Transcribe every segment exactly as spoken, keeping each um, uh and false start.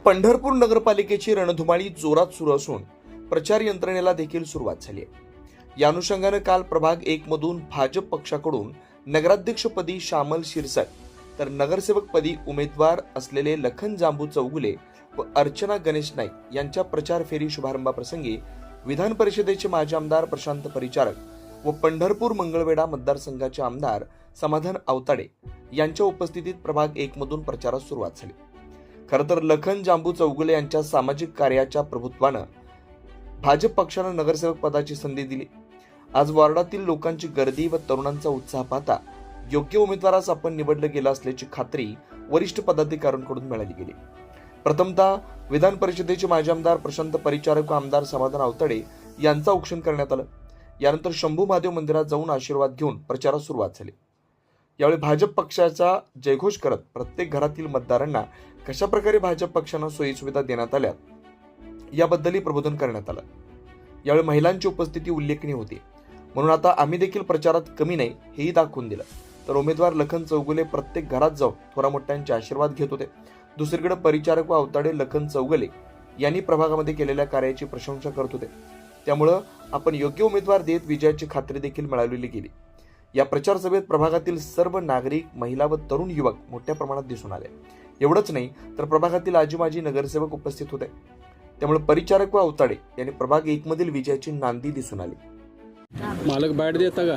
पंढरपूर नगरपालिकेची रणधुमाळी जोरात सुरू असून प्रचार यंत्रणेला देखील सुरुवात झाली आहे। या अनुषंगाने काल प्रभाग एक मधून भाजप पक्षाकडून नगराध्यक्षपदी श्यामल शिरसाट तर नगरसेवकपदी उमेदवार असलेले लखन जांबू चौगुले व अर्चना गणेश नाईक यांच्या प्रचार फेरी शुभारंभाप्रसंगी विधान परिषदेचे माजी आमदार प्रशांत परिचारक व पंढरपूर मंगळवेढा मतदारसंघाचे आमदार समाधान आवताडे यांच्या उपस्थितीत प्रभाग एक मधून प्रचारास सुरुवात झाली। खरं तर लखन जांबू चौगुले यांच्या सामाजिक कार्याच्या प्रभुत्वानं भाजप पक्षानं नगरसेवक पदाची संधी दिली। आज वॉर्डातील लोकांची गर्दी व तरुणांचा उत्साह पाहता योग्य उमेदवारास आपण निवडलं गेलं असल्याची खात्री वरिष्ठ पदाधिकाऱ्यांकडून मिळाली गेली। प्रथमतः विधान परिषदेचे माजी आमदार प्रशांत परिचारक व आमदार समाधान आवताडे यांचं औक्षण करण्यात आलं। यानंतर शंभू महादेव मंदिरात जाऊन आशीर्वाद घेऊन प्रचारास सुरुवात झाली। यावेळी भाजप पक्षाचा जयघोष करत प्रत्येक घरातील मतदारांना कशा प्रकारे भाजप पक्षानं सोयी सुविधा देण्यात आल्या याबद्दलही प्रबोधन करण्यात आलं। यावेळी महिलांची उपस्थिती उल्लेखनीय होती, म्हणून आता आम्ही देखील प्रचारात कमी नाही हेही दाखवून दिलं। तर उमेदवार लखन चौगुले प्रत्येक घरात जाऊन थोरा मोठ्यांचे आशीर्वाद घेत होते। दुसरीकडे परिचारक व अवताडे लखन चौगुले यांनी प्रभागामध्ये केलेल्या कार्याची प्रशंसा करत होते। त्यामुळं आपण योग्य उमेदवार देत विजयाची खात्री देखील मिळवली गेली। या प्रचार सभेत प्रभागातील सर्व नागरिक, महिला व तरुण युवक मोठ्या प्रमाणात दिसून आले। एवढंच नाही तर प्रभागातील आजी माजी नगरसेवक उपस्थित होते। त्यामुळे परिचारक व अवताडे यांनी प्रभाग एक मधील विजयाची नांदी दिसून आली। मालक बॅट देता का?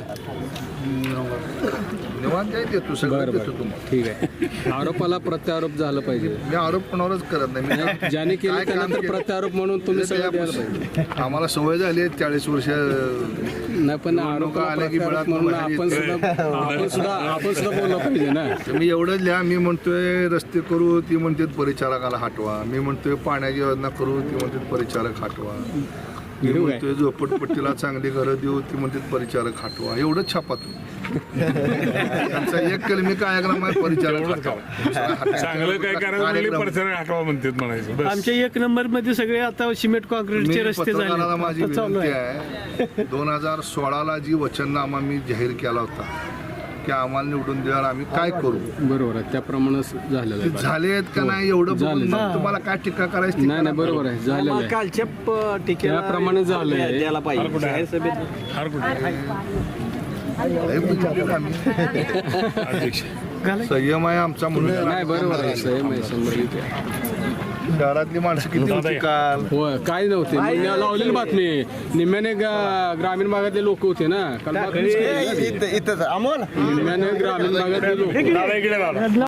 निवांत आहे देतो, सगळं देतो तुम्हाला। ठीक आहे। आरोपाला प्रत्यारोप झालं पाहिजे। मी आरोप कोणावरच करत नाही। मी ज्याने केलं त्यांना तर प्रत्यारोप म्हणून तुम्ही सगळं द्यायला पाहिजे। आम्हाला सवय झाली आहे चाळीस वर्ष नाही, पण आरोप आले की म्हणून आपण सुद्धा आपण सुद्धा आपण सुद्धा बोललं पाहिजे ना। मी एवढंच लिहा, मी म्हणतोय रस्ते करू, ती म्हणतात परिचारकाला हटवा। मी म्हणतोय पाण्याची योजना करू, ती म्हणतात परिचारक हटवा। मी म्हणतोय झोपडपट्टीला चांगली घरं देऊ, ती म्हणतात परिचारक हटवा। एवढंच छापा तुम्ही त्यांचा एक कलमी कार्यक्रम आहे, परिचारक हटवा। चांगलं काय करायचं परिचारक हटवा म्हणतात म्हणायचं। आमच्या एक नंबर मध्ये सगळे आता सिमेंट कॉन्क्रीटचे रस्ते झाले। माझी विनंती आहे, दोन हजार सोळाला जी वचननामा मी जाहीर केला होता की आम्हाला निवडून द्याल, आम्ही काय करू, बरोबर आहे, त्याप्रमाणे झालेलं आहे। झाले आहेत का नाही एवढं बघून तुम्हाला काय टीका करायची? नाही नाही, बरोबर आहे, झालेलं आहे, कालच्या त्याप्रमाणे झालंय। द्यायला पाहिजे जाहीर सभेत। संयम आहे आमचा म्हणून नाही, बरोबर आहे, संयम आहे, शंभर टक्के। शहरातली माणसं किती होती काल? होय, काय नव्हते, लावलेली बातमी निम्म्याने ग्रामीण भागातले लोक होते ना काल, निम्म्याने ग्रामीण भागातले लोक